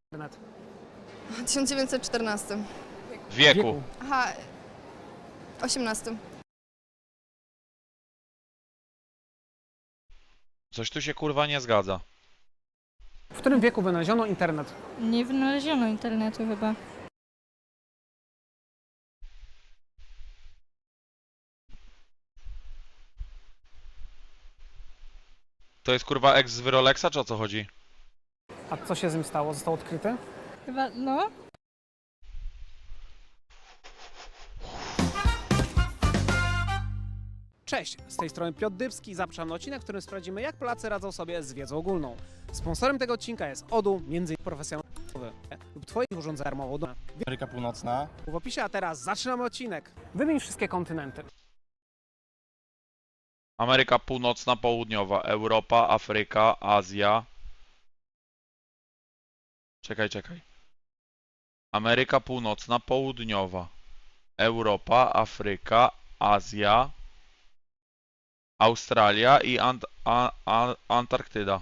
Internet. W 1914. Wieku. Aha, 18. Coś tu się kurwa nie zgadza. W którym wieku wynaleziono internet? Nie wynaleziono internetu chyba. To jest kurwa ex z Wyroleksa, czy o co chodzi? A co się z nim stało? Został odkryty? Chyba, no. Cześć, z tej strony Piotr Dybski. Zapraszam na odcinek, w którym sprawdzimy, jak Polacy radzą sobie z wiedzą ogólną. Sponsorem tego odcinka jest ODU, między innymi profesjonalny lub Twoich urządzeń darmowo. Ameryka Północna. W opisie, a teraz zaczynamy odcinek. Wymień wszystkie kontynenty. Ameryka Północna, Południowa, Europa, Afryka, Azja. Czekaj. Ameryka Północna, Południowa, Europa, Afryka, Azja, Australia i Antarktyda.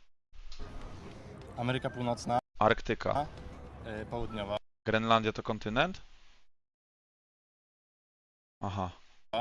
Ameryka Północna. Arktyka. Południowa. Grenlandia to kontynent? Aha.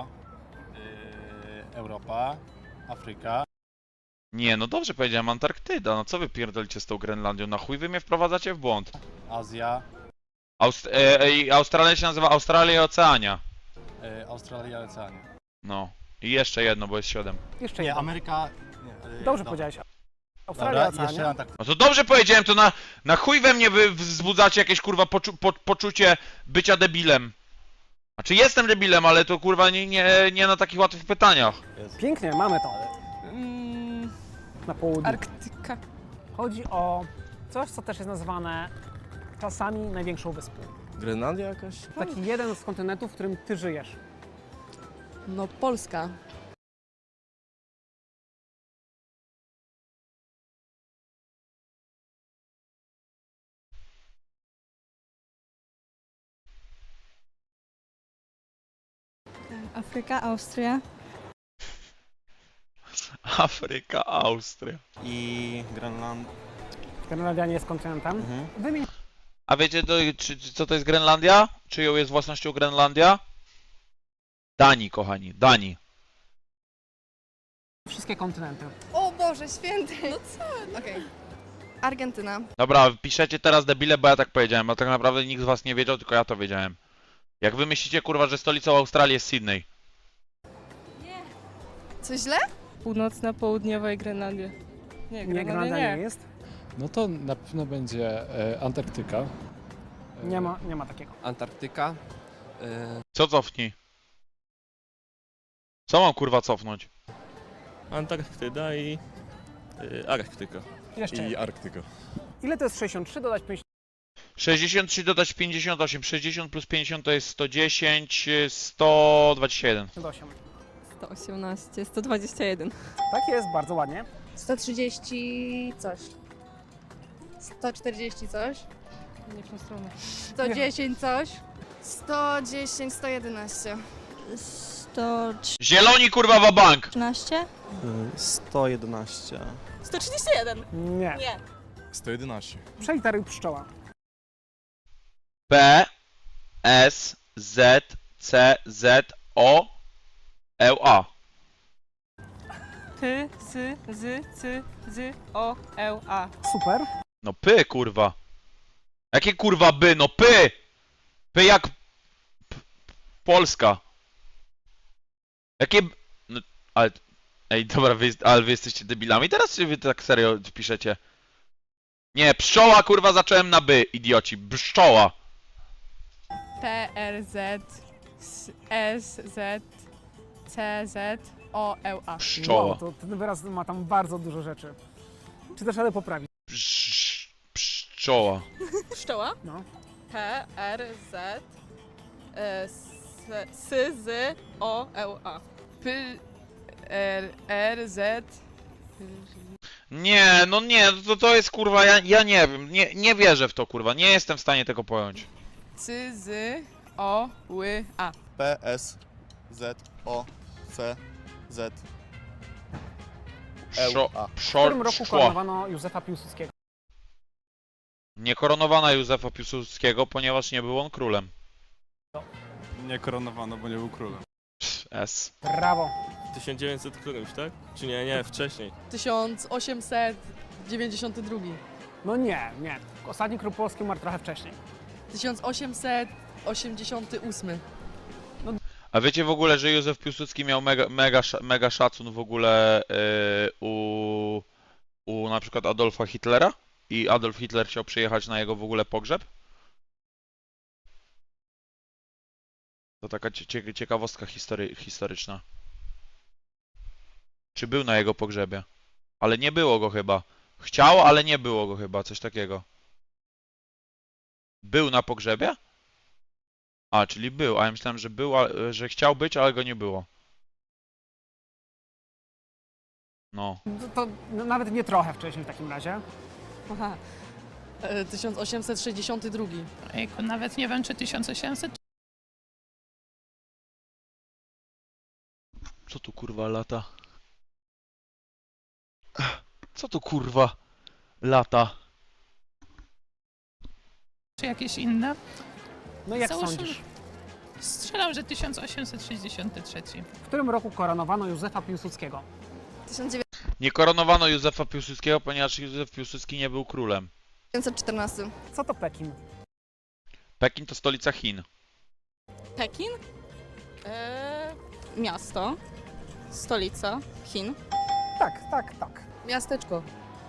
Europa. Afryka. Nie, no dobrze powiedziałem, Antarktyda. No co wy pierdolicie z tą Grenlandią? Na chuj wy mnie wprowadzacie w błąd. Azja. Australia się nazywa Australia i Oceania. Australia, Oceania. No. I jeszcze jedno, bo jest 7. Jeszcze Nie, jedno. Ameryka... Nie, Dobrze dobra. powiedziałeś. Australia, Dobra, jeszcze Oceania. Antarktyda. No to dobrze powiedziałem, to na chuj we mnie wy wzbudzacie jakieś kurwa poczucie bycia debilem. Znaczy jestem debilem, ale to kurwa nie na takich łatwych pytaniach. Pięknie, mamy to. Na południu. Arktyka. Chodzi o coś, co też jest nazywane czasami największą wyspą. Grenlandia jakaś? Taki jeden z kontynentów, w którym ty żyjesz. No Polska. Afryka, Austria. Afryka, Austria. I Grenlandia nie jest kontynentem. Wymień A wiecie co to jest Grenlandia? Czyją jest własnością Grenlandia? Danii, kochani, Danii. wszystkie kontynenty. O Boże Święty! No co? Okej. Argentyna. Dobra, piszecie teraz debile, bo ja tak powiedziałem, a tak naprawdę nikt z was nie wiedział, tylko ja to wiedziałem. Jak wy myślicie, kurwa, że stolicą Australii jest Sydney? Coś źle? Północna, południowa i Grenlandia. Nie, Grenlandia nie jest. No to na pewno będzie Antarktyka. Nie ma takiego. Antarktyka. Co cofnij? Co mam kurwa cofnąć? Antarktyda i Arktyka. Jeszcze. Arktyka. Ile to jest 63 dodać 50? 63 dodać 58, 60 plus 50 to jest 110, 121. 8. 118, 121. Tak jest, bardzo ładnie. 130 coś. 140 coś. Nie w tą stronę. 110 coś. 110, 111. 113? Zieloni kurwa wabank! 111. 131. Nie. Nie. 111. Przeliteruj pszczoła. P, S, Z, C, Z, O, L, A. P, S, Z, C, Z, O, L, A. Super. No py kurwa. Jakie kurwa by? No py! Py jak... Polska. Jakie... No, ale... Ej, dobra, ale wy jesteście debilami teraz, czy wy tak serio piszecie? Nie, pszczoła kurwa zacząłem na by, idioci. Pszczoła. P, R, Z, S, Z, C, Z, O, L, A. Pszczoła. Wow, to ten wyraz ma tam bardzo dużo rzeczy. Czy też radę poprawić? Pszczoła. Pszczoła. No. P, R, Z, S, Z, O, L, A. P, R, Z. Nie, no nie, to jest kurwa, ja nie wiem, nie wierzę w to kurwa, nie jestem w stanie tego pojąć. C, Z, O, Ł, A. P, S, Z, O, C, Z. Pszo, W którym roku pszło. koronowano Józefa Piłsudskiego? Nie koronowano Józefa Piłsudskiego, ponieważ nie był on królem. Nie koronowano, bo nie był królem. S. Brawo. 1900 którymś, tak? Czy nie, wcześniej. 1892. No nie. Ostatni król polski umarł trochę wcześniej. 1888. A wiecie w ogóle, że Józef Piłsudski miał mega szacun w ogóle u na przykład Adolfa Hitlera? I Adolf Hitler chciał przyjechać na jego w ogóle pogrzeb? To taka ciekawostka historyczna. Czy był na jego pogrzebie? Ale nie było go chyba. Chciał, ale nie było go chyba, coś takiego. Był na pogrzebie? A, czyli był, a ja myślałem, że był, że chciał być, ale go nie było. No. To nawet nie trochę wcześniej w takim razie. Aha. 1862. Ejku, nawet nie wiem, czy 1800. Co tu kurwa lata? Co tu kurwa lata? Czy jakieś inne? No jak Załóżmy- sądzisz? Strzelam, że 1863. W którym roku koronowano Józefa Piłsudskiego? 1914. Nie koronowano Józefa Piłsudskiego, ponieważ Józef Piłsudski nie był królem. Co to Pekin? Pekin to stolica Chin. Pekin. Miasto. Stolica Chin. Tak. Miasteczko.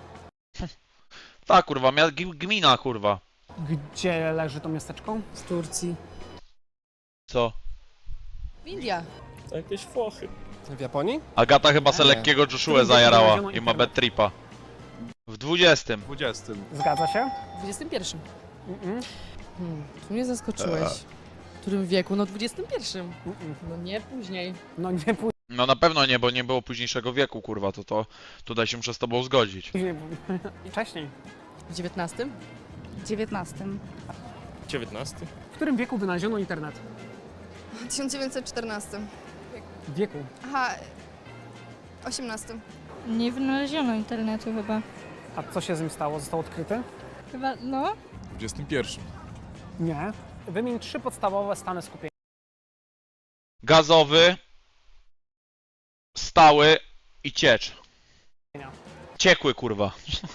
Tak kurwa, gmina kurwa. Gdzie leży to miasteczko? Z Turcji. Co? W Indiach. To jakieś Włochy. W Japonii? Agata chyba se Nie. lekkiego Joshua Którym zajarała znaleziono i ma internet? bad tripa. W 20. 20. Zgadza się? W XXI. Mm-mm. Tu mnie zaskoczyłeś. W którym wieku? No w XXI. Mm-mm. No nie później. No nie No na pewno nie, bo nie było późniejszego wieku kurwa, to tutaj się muszę z tobą zgodzić. później. Wcześniej. W XIX? W 19. 19. W którym wieku wynaleziono internet? 1914. W wieku. Aha. 18. Nie wynaleziono internetu chyba. A co się z nim stało? Został odkryty? Chyba, no. W 21. Nie. Wymień 3 podstawowe stany skupienia. Gazowy, stały i ciecz. Ciekły kurwa.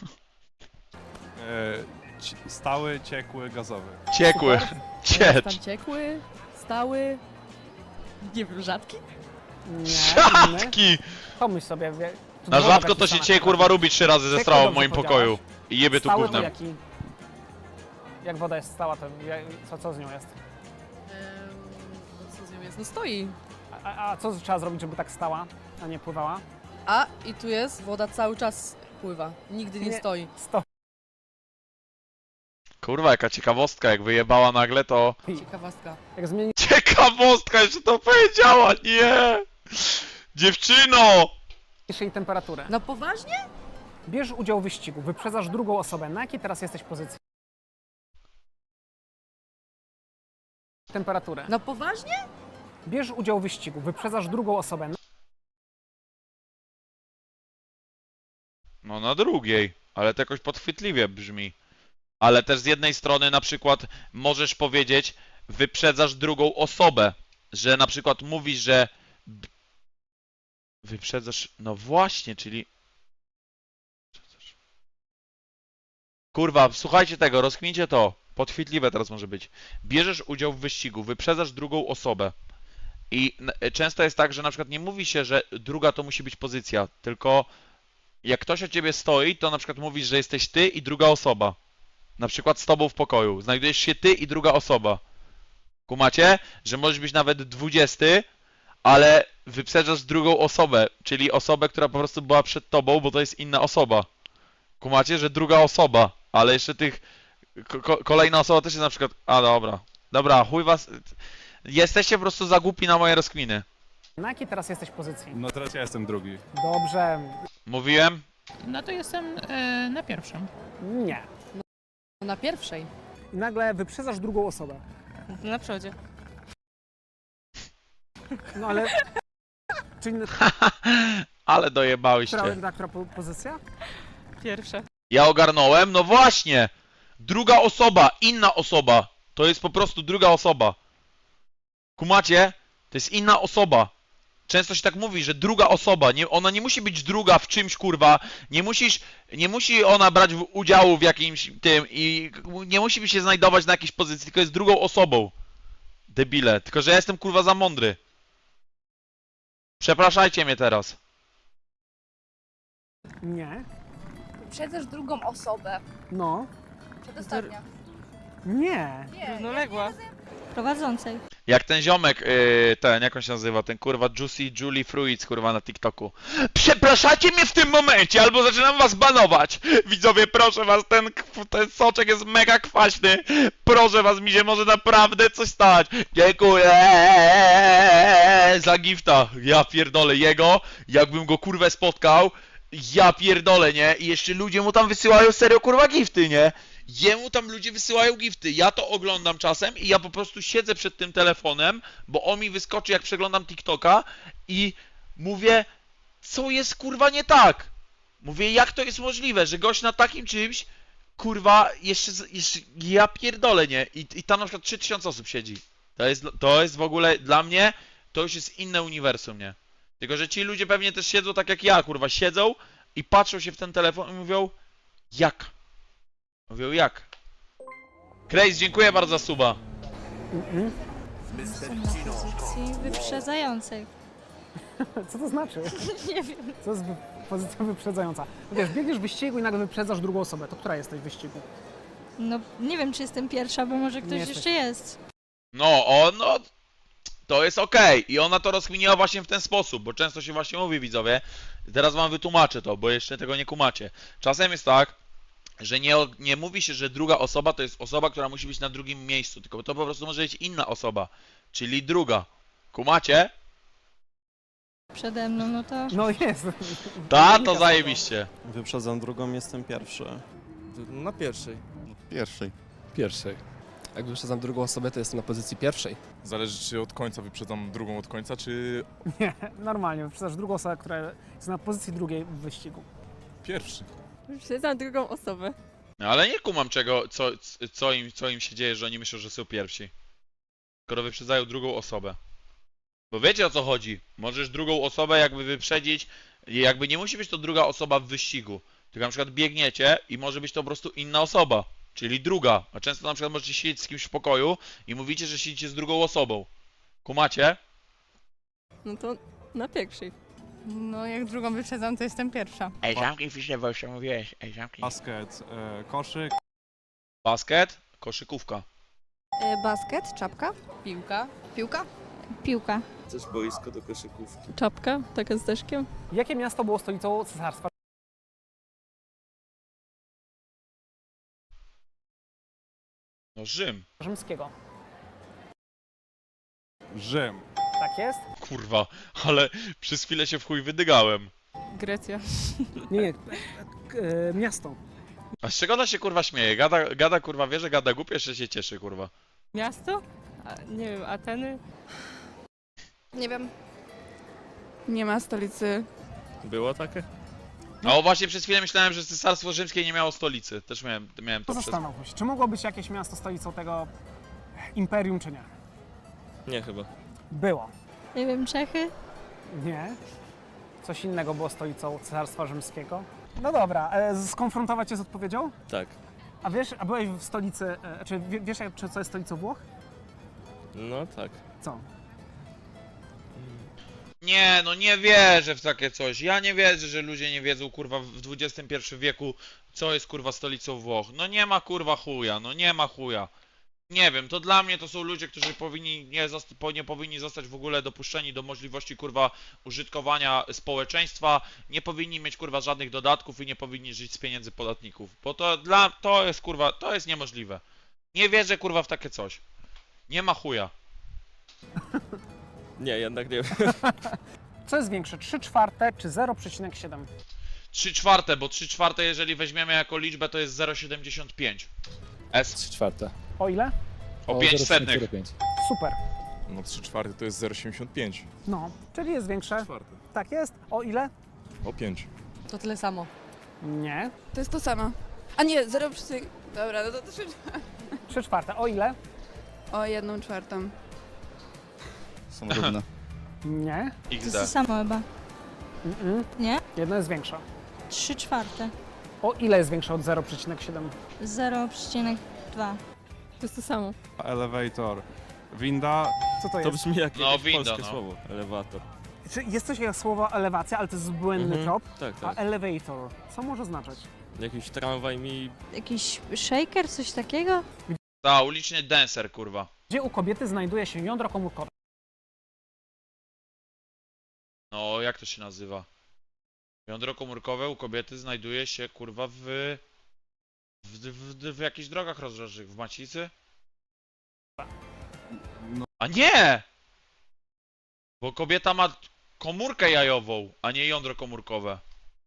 Stały, ciekły, gazowy. Ciekły. Ciecz. Tam ciekły, stały. Nie wiem, rzadki? Nie. Inny. Rzadki! Pomyśl sobie. Na rzadko to się dzisiaj kurwa robi 3 razy ze Ciekły strawą w dobrze moim powiedziałaś. pokoju. I jebie tu Stały to gównem. jaki? Jak woda jest stała, to co z nią jest? Co z nią jest? No stoi. A co trzeba zrobić, żeby tak stała, a nie pływała? A i tu jest, woda cały czas pływa. Nigdy nie Nie. stoi. Kurwa, jaka ciekawostka, jak wyjebała nagle to... Ciekawostka. Jak zmieni Ciekawostka, jeszcze to powiedziała, nie! Dziewczyno! jej temperaturę. No poważnie? Bierz udział w wyścigu, wyprzedzasz drugą osobę. Na jakiej teraz jesteś pozycji? Temperaturę. No poważnie? Bierz udział w wyścigu, wyprzedzasz drugą osobę. No na drugiej, ale to jakoś podchwytliwie brzmi. Ale też z jednej strony na przykład możesz powiedzieć, wyprzedzasz drugą osobę, że na przykład mówisz, że wyprzedzasz, no właśnie, czyli kurwa, słuchajcie tego, rozkmincie to, podchwytliwe teraz może być. Bierzesz udział w wyścigu, wyprzedzasz drugą osobę i często jest tak, że na przykład nie mówi się, że druga to musi być pozycja, tylko jak ktoś o ciebie stoi, to na przykład mówisz, że jesteś ty i druga osoba. Na przykład z tobą w pokoju. Znajdujesz się ty i druga osoba. Kumacie? Że możesz być nawet 20, ale wyprzedzasz drugą osobę, czyli osobę, która po prostu była przed tobą, bo to jest inna osoba. Kumacie? Że druga osoba, ale jeszcze tych... kolejna osoba też jest na przykład... A, dobra. Dobra, chuj was... Jesteście po prostu za głupi na moje rozkminy. Na jakiej teraz jesteś pozycji? No teraz ja jestem drugi. Dobrze. Mówiłem? No to jestem na pierwszym. Nie. Na pierwszej. I nagle wyprzedzasz drugą osobę. Na przodzie. No ale... Czyli Ale dojebałyście. która pozycja? Pierwsze. Ja ogarnąłem? No właśnie! Druga osoba, inna osoba. To jest po prostu druga osoba. Kumacie? To jest inna osoba. Często się tak mówi, że druga osoba, ona nie musi być druga w czymś, kurwa, nie musi ona brać udziału w jakimś tym i nie musi się znajdować na jakiejś pozycji, tylko jest drugą osobą. Debile, tylko że ja jestem, kurwa, za mądry. Przepraszajcie mnie teraz. Nie. Wyprzedzasz drugą osobę. No. Przedostatnia. Nie. Równoległa. Prowadzącej. Jak ten ziomek, jak on się nazywa, ten kurwa Juicy Julie Fruits, kurwa, na TikToku. Przepraszacie mnie w tym momencie, albo zaczynam was banować. Widzowie, proszę was, ten soczek jest mega kwaśny. Proszę was, mi się może naprawdę coś stać. Dziękuję za gifta. Ja pierdolę jego, jakbym go kurwę spotkał. Ja pierdolę, nie? I jeszcze ludzie mu tam wysyłają serio, kurwa, gifty, nie? Jemu tam ludzie wysyłają gifty. Ja to oglądam czasem i ja po prostu siedzę przed tym telefonem, bo on mi wyskoczy, jak przeglądam TikToka i mówię, co jest, kurwa, nie tak? Mówię, jak to jest możliwe, że gość na takim czymś, kurwa, jeszcze ja pierdolę, nie? I tam na przykład 3000 osób siedzi. To jest w ogóle, dla mnie, to już jest inne uniwersum, nie? Tylko, że ci ludzie pewnie też siedzą tak jak ja, kurwa, siedzą i patrzą się w ten telefon i mówią, jak? Mówią, jak? Craze, dziękuję bardzo za suba. Jestem na pozycji wyprzedzającej. Co to znaczy? Nie wiem. Co jest pozycja wyprzedzająca? No wiesz, biegniesz w wyścigu i nagle wyprzedzasz drugą osobę. To która jesteś w wyścigu? No, nie wiem, czy jestem pierwsza, bo może ktoś jesteś. jeszcze jest. No, to jest okej. I ona to rozkminiła właśnie w ten sposób, bo często się właśnie mówi, widzowie. Teraz wam wytłumaczę to, bo jeszcze tego nie kumacie. Czasem jest tak, że nie mówi się, że druga osoba to jest osoba, która musi być na drugim miejscu, tylko to po prostu może być inna osoba, czyli druga. Kumacie? Przede mną, no to... No jest. To zajebiście. Wyprzedzam drugą, jestem pierwszy. Na pierwszej. Pierwszej. Pierwszej. Jak wyprzedzam drugą osobę, to jestem na pozycji pierwszej. Zależy, czy od końca wyprzedzam drugą od końca, czy Nie, normalnie. Wyprzedzasz drugą osobę, która jest na pozycji drugiej w wyścigu. pierwszy. Wyprzedzam drugą osobę. No, ale nie kumam co im się dzieje, że oni myślą, że są pierwsi. Skoro wyprzedzają drugą osobę. Bo wiecie, o co chodzi. Możesz drugą osobę jakby wyprzedzić, i jakby nie musi być to druga osoba w wyścigu. Tylko na przykład biegniecie i może być to po prostu inna osoba, czyli druga. A często na przykład możecie siedzieć z kimś w pokoju i mówicie, że siedzicie z drugą osobą. Kumacie? No to na pierwszej. No, jak drugą wyprzedzam, to jestem pierwsza. Ej, zamknij fiszę, bo jeszcze mówiłeś. Ej, zamknij. Basket, koszyk. Basket, koszykówka. Basket, czapka, Piłka. piłka. Piłka. Też boisko do koszykówki. Czapka, taka z deszkiem. Jakie miasto było stolicą Cesarstwa No Rzym. Rzymskiego? Rzym. Tak jest? Kurwa, ale przez chwilę się w chuj wydygałem. Grecja. Nie, miasto. A z czego ona się kurwa śmieje? Gada kurwa wie, że gada głupio, jeszcze się cieszy kurwa. Miasto? Nie wiem, Ateny? Nie wiem. Nie ma stolicy. Było takie? No właśnie przez chwilę myślałem, że Cesarstwo Rzymskie nie miało stolicy. Też miałem to przez... Zastanów się, czy mogło być jakieś miasto stolicą tego imperium, czy nie? Nie chyba. Było. Nie wiem, Czechy? Nie. Coś innego było stolicą Cesarstwa Rzymskiego. No dobra, skonfrontować cię z odpowiedzią? Tak. A wiesz, a byłeś w stolicy, czy wiesz, co jest stolicą Włoch? No tak. Co? Nie, no nie wierzę w takie coś. Ja nie wierzę, że ludzie nie wiedzą kurwa w XXI wieku, co jest kurwa stolicą Włoch. No nie ma kurwa chuja, no nie ma chuja. Nie wiem, to dla mnie to są ludzie, którzy nie powinni zostać w ogóle dopuszczeni do możliwości kurwa użytkowania społeczeństwa, nie powinni mieć kurwa żadnych dodatków i nie powinni żyć z pieniędzy podatników, bo to jest kurwa, to jest niemożliwe. Nie wierzę kurwa w takie coś. Nie ma chuja. Nie, jednak nie wiem. Co jest większe, 3/4 czy 0,7? 3/4, bo 3/4 jeżeli weźmiemy jako liczbę to jest 0,75. S 3/4. O ile? o 5 setnych. 0,05. Super. No 3/4 to jest 0,75. No, czyli jest większe. Czwarte. Tak jest. O ile? O 5. To tyle samo. Nie. To jest to samo. A nie, Dobra, no to 3 3/4. O ile? O 1/4. Są równe. Nie. To jest XD. to samo chyba. Nie? Jedno jest większe. 3/4. O ile jest większe od 0,7? 0,2. To jest to samo. Elevator. Winda. Co to To jest? brzmi jak No, jakieś winda, polskie no. słowo. Elewator. Czy jest coś jak słowo elewacja, ale to jest błędny Mhm. trop? Tak, A tak. elevator, co może znaczyć? Jakiś tramwaj mi... Jakiś shaker, coś takiego? Ta, uliczny dancer, kurwa. Gdzie u kobiety znajduje się jądro komórkowe? No, jak to się nazywa? Jądro komórkowe u kobiety znajduje się, kurwa, w jakichś drogach rozrodczych. W macicy? A nie! Bo kobieta ma komórkę jajową, a nie jądro komórkowe.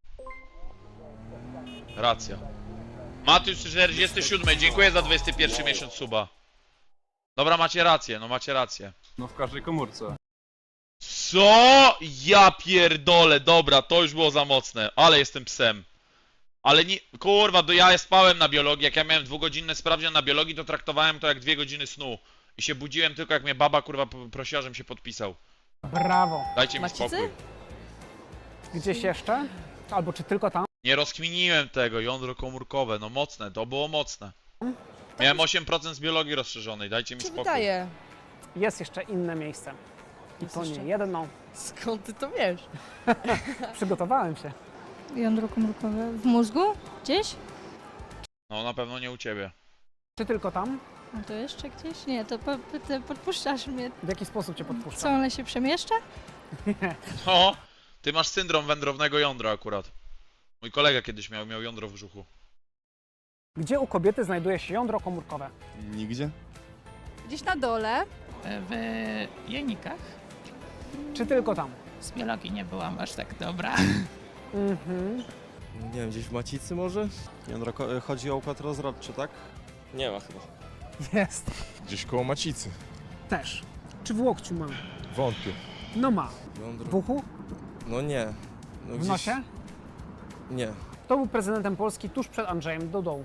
Racja. Matysz 47, dziękuję za 21 miesiąc suba. Dobra, macie rację, no macie rację. No w każdej komórce. Co? Ja pierdolę, dobra, to już było za mocne, ale jestem psem. Ale nie, kurwa, ja spałem na biologii, jak ja miałem 2-godzinne sprawdzian na biologii, to traktowałem to jak 2 godziny snu. I się budziłem tylko jak mnie baba, kurwa, prosiła, żebym się podpisał. Brawo. Dajcie mi Macicy? spokój. Gdzieś jeszcze? Albo czy tylko tam? Nie rozkminiłem tego, jądro komórkowe, no mocne, to było mocne. Miałem 8% z biologii rozszerzonej, dajcie mi spokój. Jest jeszcze inne miejsce. I to nie jedno. Skąd ty to wiesz? Przygotowałem się. Jądro komórkowe. W mózgu? Gdzieś? No na pewno nie u ciebie. Czy tylko tam? A to jeszcze gdzieś? Nie, to podpuszczasz mnie. W jaki sposób cię Co, podpuszczam? one się przemieszcza? O, ty masz syndrom wędrownego jądra akurat. Mój kolega kiedyś miał jądro w brzuchu. Gdzie u kobiety znajduje się jądro komórkowe? Nigdzie. Gdzieś na dole. W jajnikach. Czy tylko tam? Z biologii nie byłam aż tak dobra. Mhm. Nie wiem, gdzieś w macicy może? Chodzi o układ rozrodczy, tak? Nie ma chyba. Jest. Gdzieś koło macicy. Też. Czy w łokciu mam? Wątpię. No ma. Jądro... W uchu? No nie. No W nosie? Nie. Kto był prezydentem Polski tuż przed Andrzejem Dudą?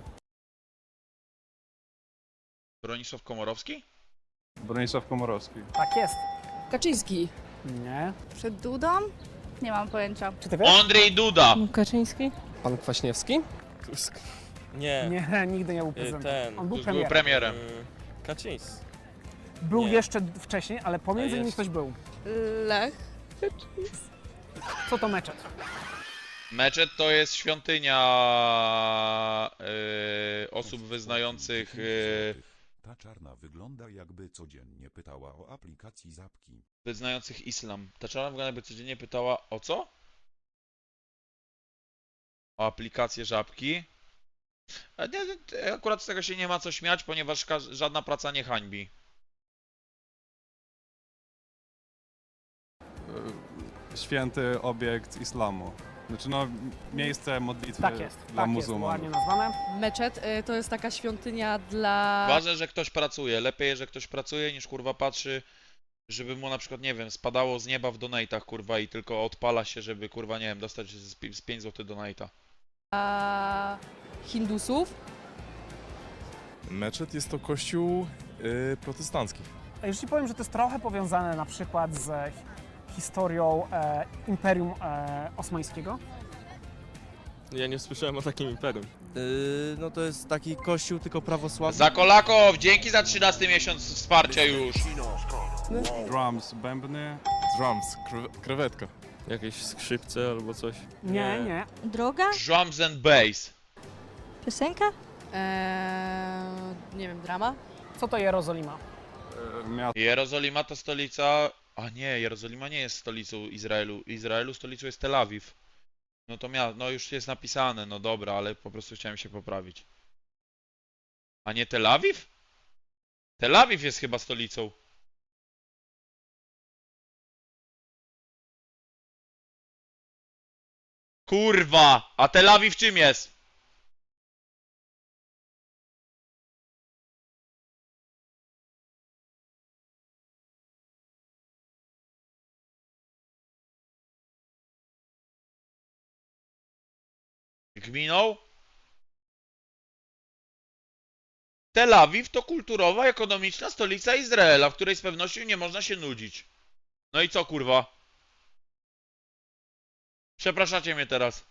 Bronisław Komorowski? Bronisław Komorowski. Tak jest. Kaczyński. Nie. Przed Dudą? Nie mam pojęcia. Czy ty wiesz? Andrzej Duda! Kaczyński? Pan Kwaśniewski? Tusk. Nie. Nie, nigdy nie był prezydentem. On był Tuż był premierem. premierem. Kaczyński. Był Nie. jeszcze wcześniej, ale pomiędzy A nimi jest. ktoś był. Lech. Co to meczet? Meczet to jest świątynia osób wyznających... Ta czarna wygląda, jakby codziennie pytała o aplikacji Zapki. wyznających islam. Ta czarna wygląda, jakby codziennie pytała o co? O aplikację Żabki. A nie, akurat z tego się nie ma co śmiać, ponieważ żadna praca nie hańbi. Święty obiekt islamu. Znaczy no, miejsce modlitwy Tak jest. dla Tak jest, muzułmanów. ładnie nazwane. Meczet to jest taka świątynia dla... Ważne, że ktoś pracuje. Lepiej, że ktoś pracuje, niż kurwa patrzy, żeby mu na przykład, nie wiem, spadało z nieba w donate'ach, kurwa, i tylko odpala się, żeby, kurwa, nie wiem, dostać z 5 zł donate'a. Hindusów. Meczet jest to kościół protestancki. A już ci powiem, że to jest trochę powiązane na przykład z historią Imperium Osmańskiego. Ja nie słyszałem o takim imperium. No to jest taki kościół tylko prawosławny. Zakolakow, dzięki za 13 miesiąc wsparcia już. Drums, bębny. Drums, krewetka. Jakieś skrzypce albo coś. Nie, nie. Droga? Drums and bass. Piosenka? Nie wiem, drama? Co to Jerozolima? Jerozolima to stolica... A nie, Jerozolima nie jest stolicą Izraelu. Izraelu stolicą jest Tel Awiw. No to no już jest napisane, no dobra, ale po prostu chciałem się poprawić. A nie Tel Awiw? Tel Awiw jest chyba stolicą. Kurwa! A Tel Awiw czym jest? Gminą? Tel Awiw to kulturowa, ekonomiczna stolica Izraela, w której z pewnością nie można się nudzić. No i co, kurwa? Przepraszacie mnie teraz.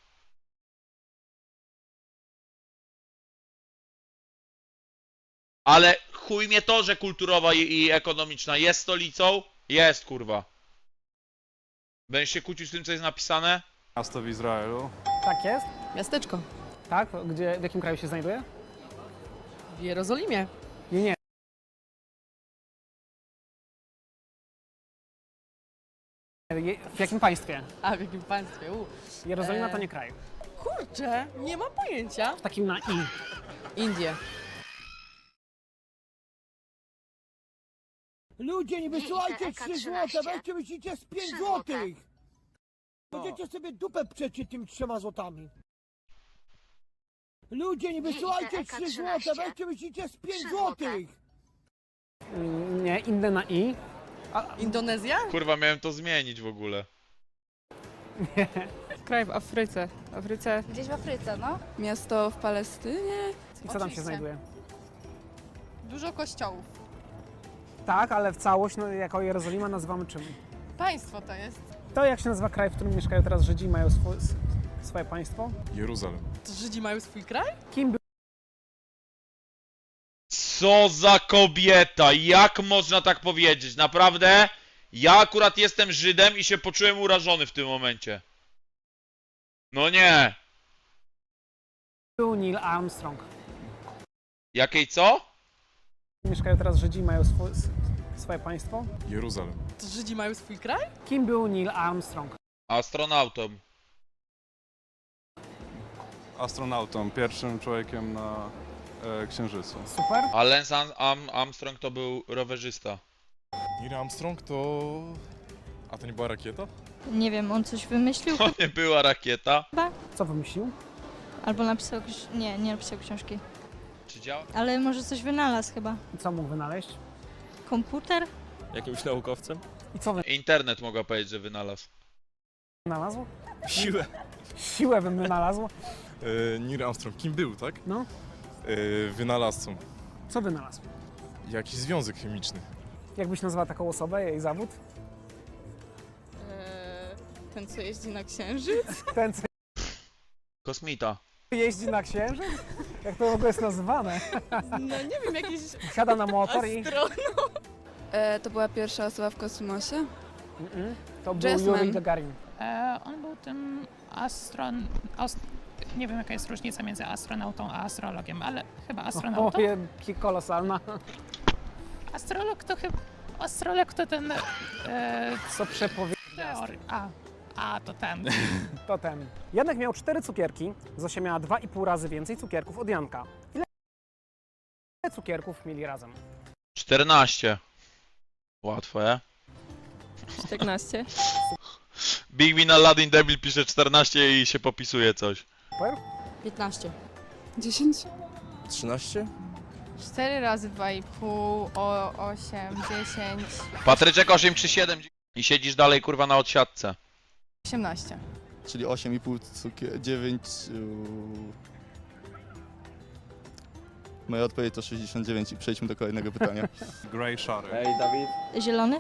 Ale chuj mnie to, że kulturowa i ekonomiczna jest stolicą. Jest, kurwa. Będziesz się kłócił z tym, co jest napisane? Miasto w Izraelu. Tak jest? Miasteczko. Tak? Gdzie, w jakim kraju się znajduje? W Jerozolimie. Nie, nie. W jakim państwie? A w jakim państwie? Jerozolima to nie kraj. Kurczę, nie mam pojęcia. W takim na i. Indie. Ludzie, nie wysyłajcie 3 złote, weźcie myślicie z 5 złotych. Będziecie sobie dupę przecie tym 3 złotami. Ludzie, nie wysyłajcie 3 złote, weźcie myślicie z 5 złotych. Nie, inne na i. Indonezja? Kurwa, miałem to zmienić w ogóle. Kraj w Afryce. Gdzieś w Afryce, no. Miasto w Palestynie. I co tam się znajduje? Dużo kościołów. Tak, ale w całość, no, jako Jerozolima nazywamy czym? Państwo to jest. To jak się nazywa kraj, w którym mieszkają teraz Żydzi i mają swoje państwo? Jeruzalem. To Żydzi mają swój kraj? Kim był Co za kobieta! Jak można tak powiedzieć? Naprawdę? Ja akurat jestem Żydem i się poczułem urażony w tym momencie. No nie. Neil Armstrong? Jakiej co? Mieszkają teraz Żydzi i mają swoje państwo? Jeruzalem. To Żydzi mają swój kraj? Kim był Neil Armstrong? Astronautą. Astronautą, pierwszym człowiekiem na Księżycu. Super. A Lance Armstrong to był rowerzysta. Neil Armstrong to... A to nie była rakieta? Nie wiem, on coś wymyślił To nie była rakieta. Co wymyślił? albo napisał nie napisał książki. Czy działa? Ale może coś wynalazł chyba. I co mógł wynaleźć? Komputer? Jakimś naukowcem? I co Internet mogła powiedzieć, że wynalazł. wynalazł? Siłę. Siłę bym wynalazł. Neil Armstrong kim był, tak? No. Wynalazcą. Co wynalazł? Jakiś związek chemiczny. Jakbyś nazwała taką osobę, jej zawód? Ten, co jeździ na księżyc. Ten, co Kosmita. jeździ na księżyc? Jak to w ogóle jest nazywane? No nie wiem, jakiś Siada na motor i... To była pierwsza osoba w kosmosie. To był Jazzman. Yuri Gagarin. On był tym nie wiem jaka jest różnica między astronautą a astrologiem, ale chyba astronautą. Jaki kolosalna. Astrolog to ten... Co przepowiedział. To ten. To ten. Janek miał 4 cukierki, Zosia miała 2,5 razy więcej cukierków od Janka. Ile cukierków mieli razem? 14. Łatwo, je? 14. Big Win Aladdin Debil pisze 14 i się popisuje coś. Super. 15. 10? 13? 4 razy 2,5, 8, 10, Patryczek 8 czy 7 i siedzisz dalej kurwa na odsiadce. 18. Czyli 8,5 cukier, 9... Moja odpowiedź to 69 i przejdźmy do kolejnego pytania. Grey szary. Ej, Dawid. Zielony?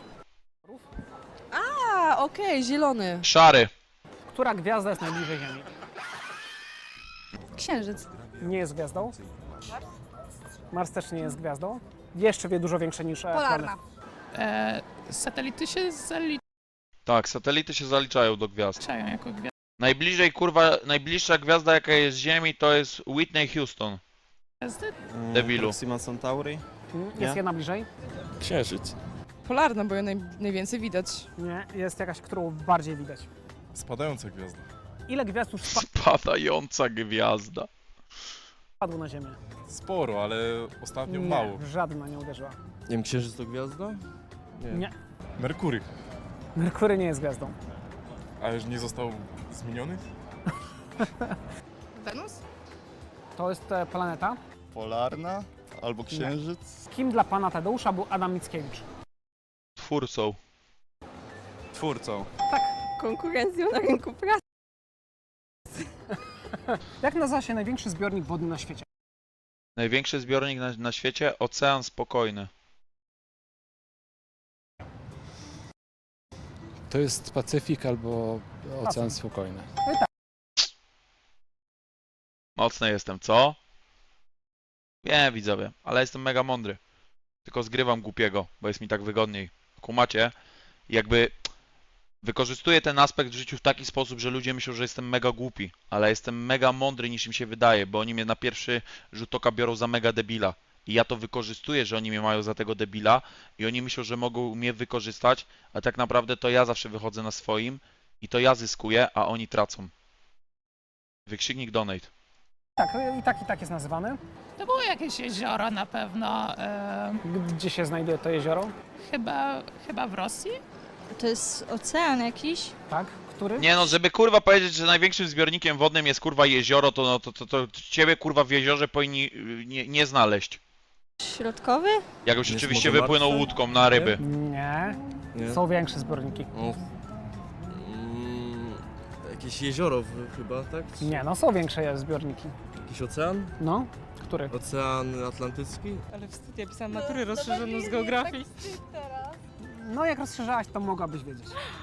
A, okej, zielony. Szary. Która gwiazda jest najbliżej Ziemi? Księżyc. Nie jest gwiazdą. Mars też nie jest gwiazdą. Jeszcze dużo większe niż Polarna. planet. Satelity się zaliczają Tak, satelity się zaliczają do gwiazd. jako gwiazdy. Najbliżej kurwa, najbliższa gwiazda jaka jest z Ziemi to jest Whitney Houston. Debilu. Proxima Centauri? Jest jedna bliżej? Księżyc. Polarna, bo ją najwięcej widać. Nie, jest jakaś, którą bardziej widać. Spadająca gwiazda. Ile gwiazd już Spadająca gwiazda. spadło na Ziemię? Sporo, ale ostatnio Nie, mało. żadna nie uderzyła. Nie wiem, Księżyc to gwiazda? Nie. Merkury. Merkury nie jest gwiazdą. A już nie został zmieniony? Wenus? To jest planeta. Polarna albo księżyc? Kim dla pana Tadeusza był Adam Mickiewicz? Twórcą. Twórcą. Konkurencją na rynku pracy. Jak nazywa się największy zbiornik wodny na świecie? Największy zbiornik na świecie? Ocean Spokojny. To jest Pacyfik albo Ocean Spokojny. Mocny jestem, co? Wiem, widzowie, ale jestem mega mądry. Tylko zgrywam głupiego, bo jest mi tak wygodniej. Kumacie? Jakby wykorzystuję ten aspekt w życiu w taki sposób, że ludzie myślą, że jestem mega głupi, ale jestem mega mądry niż im się wydaje, bo oni mnie na pierwszy rzut oka biorą za mega debila. I ja to wykorzystuję, że oni mnie mają za tego debila i oni myślą, że mogą mnie wykorzystać, a tak naprawdę to ja zawsze wychodzę na swoim i to ja zyskuję, a oni tracą. Wykrzyknik donate. Tak, i tak jest nazywany. To było jakieś jezioro na pewno, Gdzie się znajduje to jezioro? chyba w Rosji? To jest ocean jakiś? Tak, który? Nie no, żeby kurwa powiedzieć, że największym zbiornikiem wodnym jest kurwa jezioro, to, no, to ciebie kurwa w jeziorze powinni nie znaleźć. Środkowy? Jakbyś Jest oczywiście Morze wypłynął Martwe? łódką na ryby. Nie. Nie? Są większe zbiorniki. O. Jakieś jezioro chyba, tak? Czy Nie, no są większe zbiorniki. jakiś ocean? No, który? Ocean Atlantycki? Ale wstyd, ja pisałam maturę rozszerzoną z geografii. No jak rozszerzałaś, to mogłabyś wiedzieć.